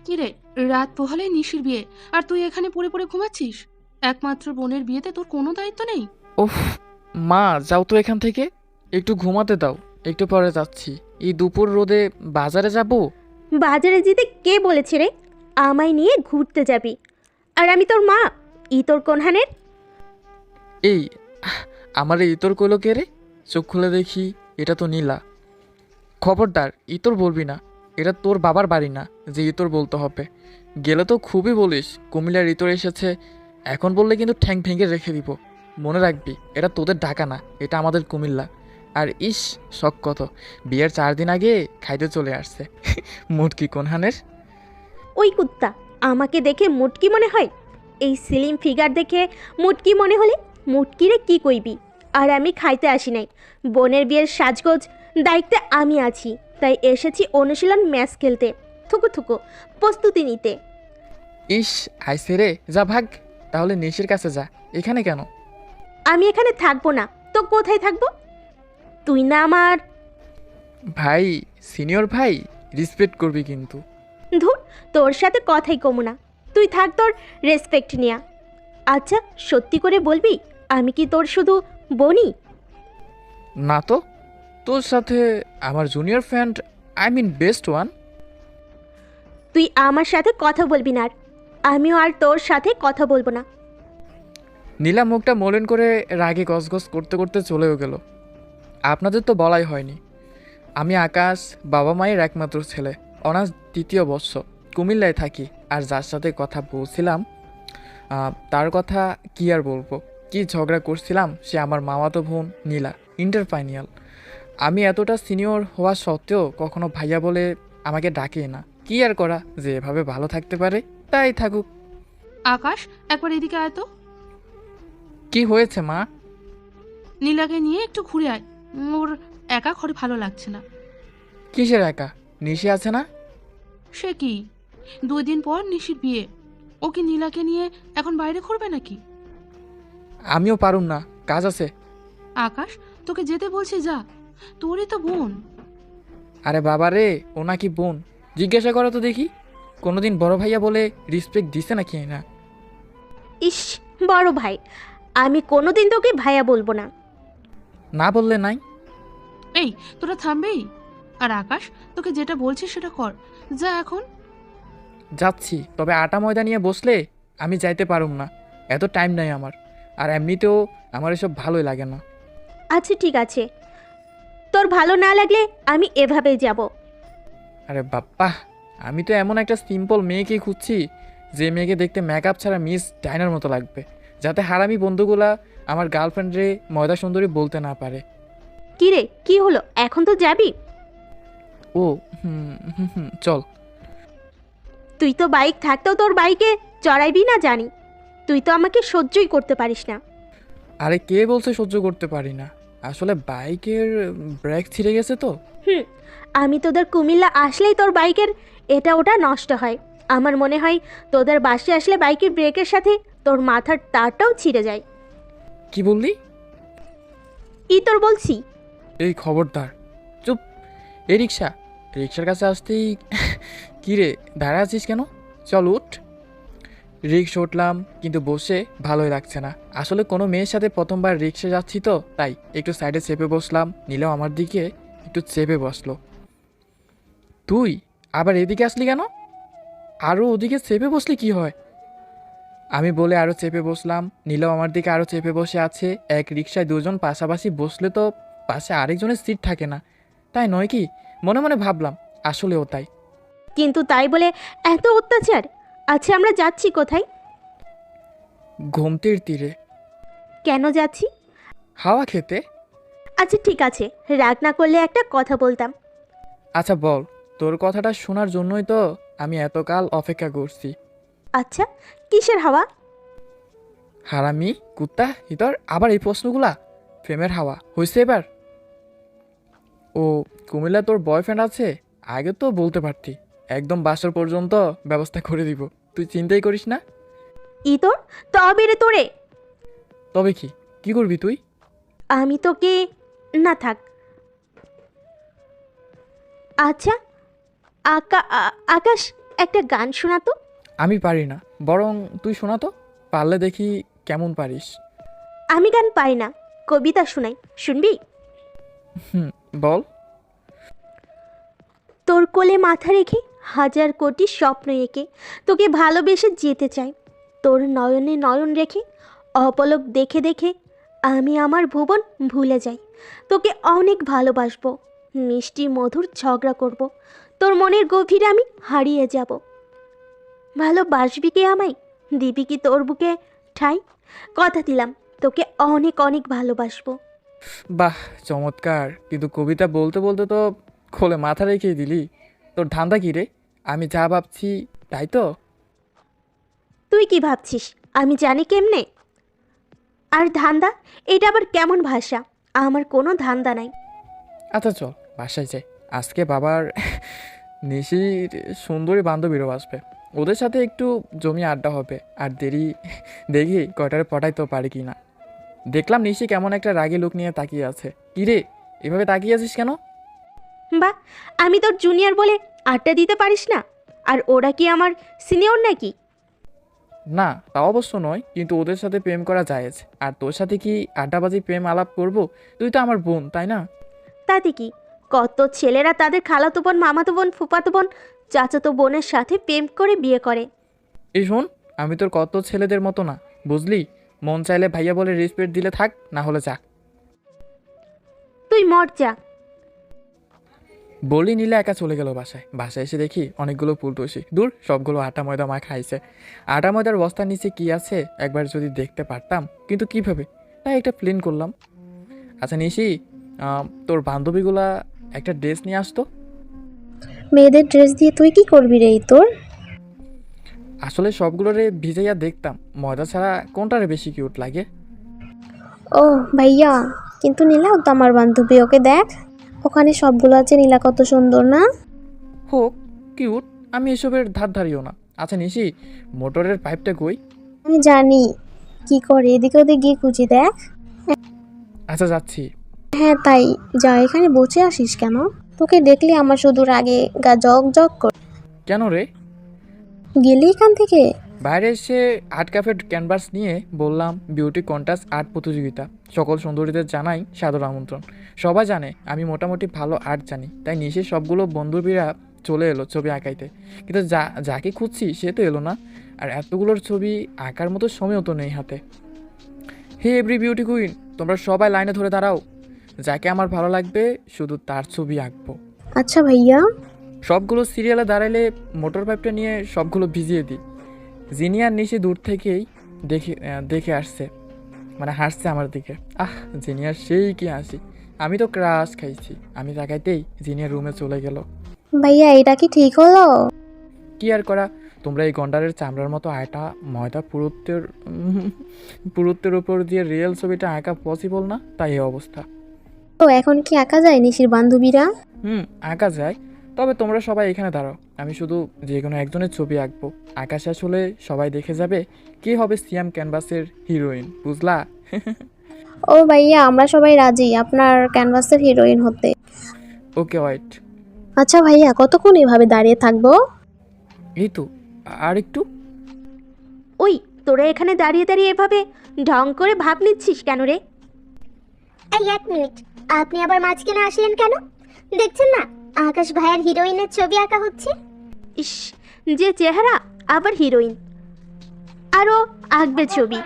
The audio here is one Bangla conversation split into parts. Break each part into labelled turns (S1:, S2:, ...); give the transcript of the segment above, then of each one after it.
S1: কিরে, রাত পোহালে নিশির বিয়ে, আর তুই এখানে পড়ে পড়ে ঘুমাচ্ছিস? একমাত্র বোনের বিয়েতে তোর কোনো দায়িত্ব নেই?
S2: ওফ, মা যাও তো এখান থেকে, একটু ঘুমাতে দাও। একটু পরে যাচ্ছি। এই দুপুর রোদে বাজারে যাব।
S3: বাজারে যেতে কে বলেছে রে? আমায় নিয়ে ঘুরতে যাবি? আর আমি তোর মা? ই তোর কোনহানের?
S2: এই আমার এই ইতর কইলো কে রে? চোখ খুলে দেখি, এটা তো নীলা। খবরদার ইতর বলবি না, এটা তোর বাবার বাড়ি না যে ইতর বলতে হবে। গেলে তো খুবই বলিস কুমিল্লার ইতর এসেছে। এখন বললে কিন্তু ঠ্যাং ভেঙে রেখে দিব। মনে রাখবি, এটা তোদের ঢাকা না, এটা আমাদের কুমিল্লা। আর ইস, শখ কত, বিয়ের 4 দিন আগে খাইতে চলে আসছে। মুটকি কোনহানের।
S3: ওই কুত্তা, আমাকে দেখে মুটকি মনে হয়? এই স্লিম ফিগার দেখে মুটকি মনে হলে মুটকিরে কি কইবি? আর আমি খাইতে আসি নাই, বোনের বিয়ের সাজগোজ দায়িত্বে আমি আছি। তাই এসেছি অনুশীলন ম্যাচ খেলতে, থুকু থুকু প্রস্তুতি নিতে।
S2: ইস, আইসে রে, যা ভাগ। তাহলে নিশির কাছে যা, এখানে কেন?
S3: আমি এখানে থাকবো না তো কোথায় থাকবো? তুই না আমার
S2: ভাই, সিনিয়র ভাই, রেসপেক্ট করবি কিন্তু।
S3: ধুর, তোর সাথে কথাই কমু না। তুই থাক তোর রেসপেক্ট নিয়া। আচ্ছা, সত্যি করে বলবি, আমি কি তোর শুধু বনি?
S2: না তো, তোর সাথে আমার junior friend, I mean best one.
S3: তুই আমার সাথে কথা বলবি না, আর আমিও আর তোর সাথে কথা বলবো না।
S2: নীলা মুখটা মলিন করে রাগে গসগস করতে করতে চলেও গেল। আপনাদের তো বলাই হয়নি, আমি আকাশ বাবা মায়ের একমাত্র ছেলে। অনার্স 2য় বর্ষ, কুমিল্লায় থাকি। আর যার সাথে কথা বলছিলাম, তার কথা কি আর বলবো। কি ঝগড়া করছিলাম, সে আমার মামাতো বোন নীলা, ইন্টার ফাইনাল। আমি এতটা সিনিয়র হওয়া সত্ত্বেও কখনো ভাইয়া বলে আমাকে ডাকে না। কি আর করা, যে এভাবে ভালো থাকতে পারে তাই থাকুক।
S1: আকাশ, একবার এদিকে আয় তো।
S2: কি হয়েছে মা?
S1: নীলাকে নিয়ে একটু ঘুরে আয়। ওর একা ঘরে ভালো লাগছে না।
S2: কিসের একা? নিশে আছে না?
S1: সে কি, 2 দিন পর নিশির বিয়ে। ও কি নীলাকে নিয়ে এখন বাইরে ঘুরবে নাকি?
S2: আমিও পারুম না, কাজ আছে।
S1: আকাশ, তোকে যেতে বলছি, যা। তোরই তো বোন।
S2: আরে বাবা রে, ও নাকি বোন? জিজ্ঞাসা করো তো দেখি, কোনোদিন বড় ভাইয়া বলে রেসপেক্ট দিছে নাকি না?
S3: ইস, বড় ভাই, আমি কোনোদিন তোকে ভাইয়া বলবো না।
S2: না বললে নাই।
S1: এই, তোরা থামবেই? আর আকাশ, তোকে যেটা বলছি সেটা কর, যা এখন।
S2: যাচ্ছি, তবে আটা ময়দা নিয়ে বসলে আমি যাইতে পারুম না। এত টাইম নাই আমার। আর এমনিতেও আমার এসব ভালোই লাগে না।
S3: আচ্ছা ঠিক আছে, তোর ভালো না লাগলে আমি এভাবেই যাব।
S2: আরে বাপ্পা, আমি তো এমন একটা সিম্পল মেয়েকেই খুঁজছি, যে মেয়েকে দেখতে মেকআপ ছাড়া মিস ডাইনার মতো লাগবে, যাতে হারামি বন্ধুগুলা আমার গার্লফ্রেন্ডরে ময়দা সুন্দরী বলতে না পারে।
S3: কি রে, কি হলো, এখন তো যাবি?
S2: ও হুম হুম হুম, চল।
S3: তুই তো বাইক থাকতেও তোর বাইকে চড়াইবি না জানি। তুই তো আমাকে সহ্যই করতে পারিস না।
S2: আরে কে বলছে সহ্য করতে পারি না? আসলে বাইকের ব্রেক ছিঁড়ে গেছে তো।
S3: হুম, আমি তোদের কুমিল্লা আসলেই তোর বাইকের এটা ওটা নষ্ট হয়। আমার মনে হয় তোদের বাসে আসলে বাইকের ব্রেকের সাথে তোর মাথার তারটাও ছিঁড়ে যায়।
S2: কি বললি?
S3: ই তোর বলছি।
S2: এই খবরদার, চুপ। এই রিক্সা, রিক্সার কাছে আসতেই কি রে, দাঁড়া আছিস কেন? চল উঠ। রিক্সা উঠলাম, কিন্তু বসে ভালোই লাগছে না। আসলে কোনো মেয়ের সাথে প্রথমবার রিক্সা যাচ্ছি তো, তাই একটু সাইডে চেপে বসলাম। নিলেও আমার দিকে একটু চেপে বসলো। তুই আবার এদিকে আসলি কেন? আরও ওদিকে চেপে বসলি কি হয়? আমি বলে আরও চেপে বসলাম। নীলাও আমার দিকে আরও চেপে বসে আছে। এক রিক্সায় দুজন পাশাপাশি বসলে তো পাশে আরেকজনের সিট থাকে না, তাই নয় কি? মনে মনে ভাবলাম, আসলেও তাই।
S3: কিন্তু তাই বলে এত অত্যাচার? আচ্ছা, আমরা যাচ্ছি কোথায়?
S2: ঘুমটির তীরে।
S3: কেন যাচ্ছি?
S2: হাওয়া খেতে।
S3: আচ্ছা ঠিক আছে, রাগ না করলে একটা কথা বলতাম।
S2: আচ্ছা বল, তোর কথাটা শোনার জন্যই তো আমি এতকাল অপেক্ষা করছি।
S3: আচ্ছা, কিসের হাওয়া?
S2: হারামি কুত্তা ইতর, আবার এই প্রশ্নগুলা? প্রেমের হাওয়া হয়েছে এবার। ও, কুমিল্লা তোর বয়ফ্রেন্ড আছে? আগে তো বলতে পারতি, একদম বাসর পর্যন্ত ব্যবস্থা করে দিব। তুই চিন্তাই করিস না।
S3: ই তোর, তবে রে তোরে।
S2: তবে কি, কি করবি তুই?
S3: আমি তোকে, না থাক। আচ্ছা, আকাশ, একটা গান শোনাতো।
S2: আমি পারি না, বরং তুই শোনা তো, পারলে দেখি কেমন পারিস।
S3: আমি গান পারি না, কবিতা শোনাই, শুনবি?
S2: হুম, বল।
S3: তোর কোলে মাথা রেখে হাজার কোটি স্বপ্ন এঁকে তোকে ভালোবেসে যেতে চাই। তোর নয়নে নয়ন রেখে অপলক দেখে দেখে আমি আমার ভুবন ভুলে যাই। তোকে অনেক ভালোবাসবো, মিষ্টি মধুর ঝগড়া করব, তোর মনের গভীরে আমি হারিয়ে যাব। ভালোবাসবি কি আমায়? দিবি কি তোর বুকে ঠাই? কথা দিলাম তোকে অনেক অনেক ভালোবাসবো।
S2: বাহ, চমৎকার। কিন্তু কবিতা বলতে বলতে তো খোলে মাথা রেখেই দিলি। তোর ধান্দা কি রে? আমি যা ভাবছি তাই তো?
S3: তুই কি ভাবছিস আমি জানি কেমনে? আর ধান্দা, এটা আবার কেমন ভাষা? আমার কোনো ধান্দা নাই।
S2: আচ্ছা চল বাসায় যাই। আজকে বাবার নিশির সুন্দরী বান্ধবীরও আসবে, ওদের সাথে একটু জমি আড্ডা হবে। আর দেখি কয়টারে পটাইতে পারি কি না। দেখলাম নিশি কেমন একটা রাগী লোক নিয়ে তাকিয়ে আছে। কি রে, এভাবে তাকিয়ে আছিস কেন?
S3: বা, আমি তোর জুনিয়র বলে আড্ডা দিতে পারিস না? আর ওরা কি আমার সিনিয়র নাকি?
S2: না, তা অবশ্য নয়, কিন্তু ওদের সাথে প্রেম করা জায়েজ। আর তোর সাথে কি আড্ডাবাজি প্রেম আলাপ করব? তুই তো আমার বোন, তাই না?
S3: তাতে কি? কত ছেলেরা তাদের খালাতো বোন, মামাতো বোন, ফুফাতো বোন, চাচাতো বোনের সাথে প্রেম করে বিয়ে করে।
S2: এই শোন, আমি তোর কত ছেলেদের মতো না, বুঝলি? মন চাইলে ভাইয়া বলে রেসপেক্ট দিলে থাক, না হলে যা।
S3: তুই মর যা।
S2: বলি নিলে একা চলে গেল বাসায়। বাসায় এসে দেখি অনেকগুলো ফুলটুসি, দূর সবগুলো আটা ময়দা মা খাইছে। আটা ময়দার বস্তার নিচে কি আছে একবার যদি দেখতে পারতাম, কিন্তু কিভাবে, তাই একটা প্লেন করলাম। আচ্ছা নিশি, তোর বান্ধবীগুলা একটা ড্রেস নিয়ে আসতো।
S4: মেয়েদের ড্রেস দিয়ে তুই কি করবি রে তোর?
S2: আসলে সবগুলোরে ভিজাইয়া দেখতাম ময়দা ছাড়া কোনটারে বেশি কিউট লাগে।
S4: ও ভাইয়া, কিন্তু নীলাও তো আমার বান্ধবী, ওকে দেখ, ওখানে সবগুলো আছে, নীলা কত সুন্দর না?
S2: হোক কিউট, আমি এসবের ধার ধারিও না। আচ্ছা নিশি, মোটরের পাইপটা কই?
S4: আমি জানি কি করে, এদিকে ওদিকে গিয়ে খুঁজি দেখ।
S2: আচ্ছা যাচ্ছি।
S4: হ্যাঁ তাই, যা, এখানে বসে আসিস কেন? তোকে দেখলে আমার শুধু রাগে গা জগ জগ করে।
S2: কেন রে?
S4: গেলি এখান থেকে?
S2: বাইরে এসে আর্ট ক্যাফের ক্যানভাস নিয়ে বললাম বিউটি কন্টেস্ট আর্ট প্রতিযোগিতা, সকল সুন্দরীদের জানাই সাদর আমন্ত্রণ। সবাই জানে আমি মোটামুটি ভালো আর্ট জানি, তাই নিশে সবগুলো বন্ধুবীরা চলে এলো ছবি আঁকাইতে। কিন্তু যাকে খুঁজছি সে তো এলো না, আর এতগুলোর ছবি আঁকার মতো সময়ও তো নেই হাতে। হে এভরি বিউটি কুইন, তোমরা সবাই লাইনে ধরে দাঁড়াও, যাকে আমার ভালো লাগবে শুধু তার ছবি আঁকবো।
S4: আচ্ছা ভাইয়া।
S2: সবগুলো সিরিয়ালে দাঁড়াইলে মোটর পাইপটা নিয়ে সবগুলো ভিজিয়ে দিই। জিনিয়ার নিশে দূর থেকেই দেখে আসছে, মানে হাসছে আমার দিকে। জিনিয়ার সেই কি হাসি, আমি তো ক্রাশ খাইছি। আমি তাকাইতেই জিনিয়ার রুমে চলে গেল।
S4: ভাইয়া এটা কি ঠিক হলো?
S2: কি আর করা, তোমরা এই গন্ডারের চামড়ার মতো আটা ময়দা পুরুত্বের উপর দিয়ে রিয়েল ছবিটা আঁকা পসিবল না, তাই এই অবস্থা।
S4: তো এখন কি আঁকা যায় নিশির বান্ধবীরা?
S2: আঁকা যায়, তবে তোমরা সবাই এখানে দাঁড়াও, আমি শুধু যে কোনো একজনের ছবি আঁকবো। আঁকা শেষ হলে সবাই দেখে যাবে কে হবে সিয়াম ক্যানভাসের হিরোইন, বুঝলা?
S4: ও ভাইয়া, আমরা সবাই রাজি আপনার ক্যানভাসের হিরোইন হতে।
S2: Okay wait.
S4: আচ্ছা ভাইয়া, কতক্ষণ এভাবে দাঁড়িয়ে থাকবো?
S2: এই তো আর একটু।
S3: ওই, তোরা এখানে দাঁড়িয়ে দাঁড়িয়ে এভাবে ঢং করে ভাব নিচ্ছিস কেন রে?
S5: এই এক মিনিট, আপনি আবার মাঝখানে আসলেন কেন? দেখছেন না আকাশ ভাইয়ের হিরোইনের ছবি আঁকা হচ্ছে?
S3: ইস, যে চেহারা, আবার হিরোইন, আরও আঁকবে ছবি।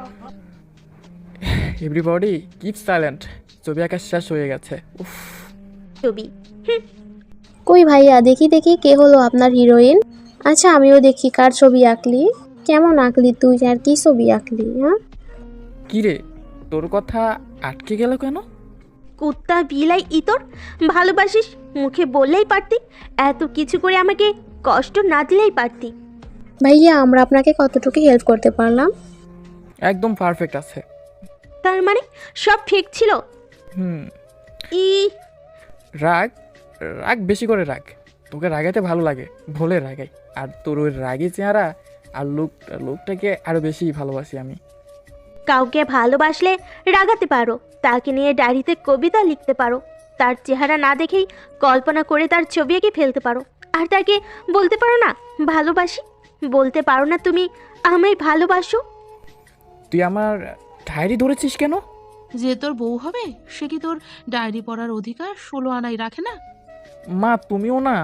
S2: এভরিবডি কিপ সাইলেন্ট, ছবি আঁকা শেষ হয়ে গেছে। উফ,
S3: ছবি
S4: কই ভাইয়া, দেখি দেখি কে হলো আপনার হিরোইন। আচ্ছা আমিও দেখি কার ছবি আঁকলি, কেমন আঁকলি তুই, আর কি ছবি আঁকলি? হ্যাঁ
S2: কি রে, তোর কথা আটকে গেল কেন?
S3: কুত্তা বিলাই ইতর, ভালোবাসিস মুখে বললেই পারতি, এত কিছু করে আমাকে কষ্ট না দিলেই পারতি।
S4: ভাইয়া, আমরা আপনাকে কতটুকু হেল্প করতে পারলাম?
S2: একদম পারফেক্ট আছে।
S3: তার মানে সব ঠিক ছিল?
S2: হুম,
S3: ই
S2: রাগ রাগ বেশি করে রাগ, তোকে রাগাইতে ভালো লাগে ভোলে রাগাই। আর তোর ওই রাগি চেহারা আর লোকটাকে আরো বেশি ভালোবাসি আমি।
S3: কাউকে ভালোবাসলে রাগাতে পারো, তাকে নিয়ে ডায়েরিতে কবিতা লিখতে পারো, তার চেহারা না দেখেই কল্পনা করে তার ছবি এঁকে ফেলতে পারো। আর তাকে বলতে পারো না ভালোবাসি? বলতে পারো না তুমি আমায় ভালোবাসো?
S2: তুই আমার ডায়েরি ধরেছিস কেন?
S1: যে তোর বউ হবে সে কি তোর ডায়েরি পড়ার অধিকার 16 আনাই রাখে না?
S2: মা তুমিও না।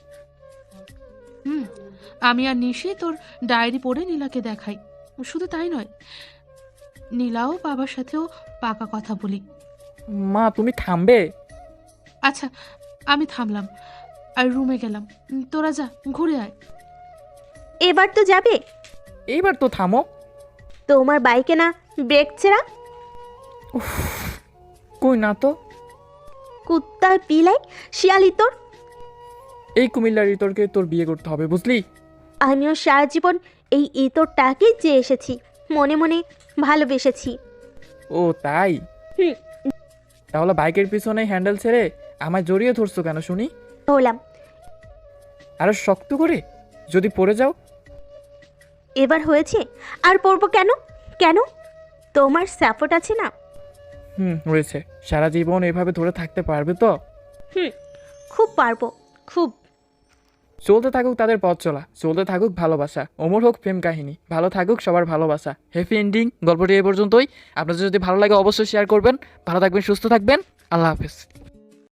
S1: হুম, আমি আর নিশি তোর ডায়েরি পড়ে নীলাকে দেখাই। শুধু তাই নয়, নীলাও বাবার সাথেও পাকা কথা বলি।
S2: মা তুমি থামবে?
S1: আচ্ছা, আমি থামলাম আর রুমে গেলাম। তোরা যা, ঘুরে আয়।
S3: এবার তো যাবে?
S2: এইবার তো থামো।
S3: তোমার বাইকে না ব্রেক ছেঁড়া?
S2: কই না তো।
S3: কুত্তার পিলাই শিয়ালি তোর।
S2: এই কুমিল্লার ইতরকে তোর বিয়ে করতে হবে, বুঝলি?
S3: আমিও সারা জীবন এই ইতরটাকেই চেয়ে এসেছি, মনে মনে ভালোবেসেছি।
S2: ও তাই?
S3: হুম।
S2: তাহলে বাইকের পিছনে হ্যান্ডেল ছেড়ে আমায় জড়িয়ে ধরছো কেন শুনি?
S3: হলাম।
S2: আরো শক্ত করে, যদি পড়ে যাও?
S3: এবার হয়েছে, আর পড়বো কেন? কেন? তোমার সাপোর্ট আছে না?
S2: হয়েছে। সারা জীবন এভাবে ধরে থাকতে পারবে তো?
S3: খুব পারবো, খুব।
S2: চলতে থাকুক তাদের পথ চলা, চলতে থাকুক ভালোবাসা, অমর হোক প্রেম কাহিনী, ভালো থাকুক সবার ভালোবাসা। Happy ending. গল্পটি এই পর্যন্তই। আপনাদের যদি ভালো লাগে অবশ্যই শেয়ার করবেন। ভালো থাকবেন, সুস্থ থাকবেন। আল্লাহ হাফেজ।